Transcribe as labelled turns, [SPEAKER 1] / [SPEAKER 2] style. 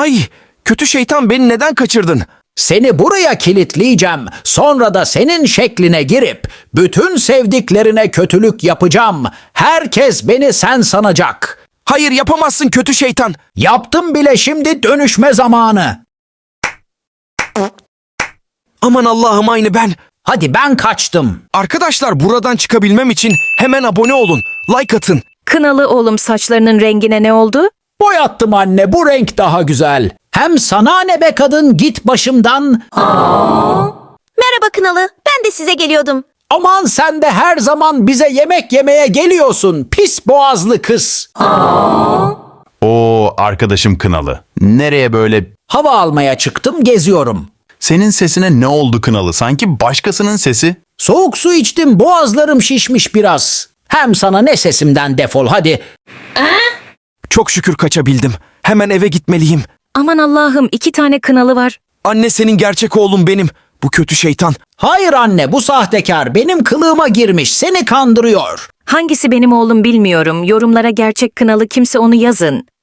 [SPEAKER 1] Ay, kötü şeytan, beni neden kaçırdın?
[SPEAKER 2] Seni buraya kilitleyeceğim. Sonra da senin şekline girip bütün sevdiklerine kötülük yapacağım. Herkes beni sen sanacak.
[SPEAKER 1] Hayır, yapamazsın kötü şeytan.
[SPEAKER 2] Yaptım bile, şimdi dönüşme zamanı.
[SPEAKER 1] Aman Allah'ım, aynı ben.
[SPEAKER 2] Hadi ben kaçtım.
[SPEAKER 1] Arkadaşlar, buradan çıkabilmem için hemen abone olun. Like atın.
[SPEAKER 3] Kınalı oğlum, saçlarının rengine ne oldu?
[SPEAKER 2] Boyattım anne, bu renk daha güzel. Hem sana ne be kadın, git başımdan.
[SPEAKER 4] Merhaba Kınalı, ben de size geliyordum.
[SPEAKER 2] Aman sen de her zaman bize yemek yemeye geliyorsun, pis boğazlı kız.
[SPEAKER 5] Oo, arkadaşım Kınalı. Nereye böyle?
[SPEAKER 2] Hava almaya çıktım, geziyorum.
[SPEAKER 5] Senin sesine ne oldu Kınalı? Sanki başkasının sesi.
[SPEAKER 2] Soğuk su içtim, boğazlarım şişmiş biraz. Hem sana ne, sesimden defol hadi.
[SPEAKER 1] Çok şükür kaçabildim. Hemen eve gitmeliyim.
[SPEAKER 3] Aman Allah'ım, 2 tane Kınalı var.
[SPEAKER 1] Anne, senin gerçek oğlun benim. Bu kötü şeytan.
[SPEAKER 2] Hayır anne, bu sahtekar benim kılığıma girmiş, seni kandırıyor.
[SPEAKER 3] Hangisi benim oğlum bilmiyorum. Yorumlara gerçek Kınalı kimse onu yazın.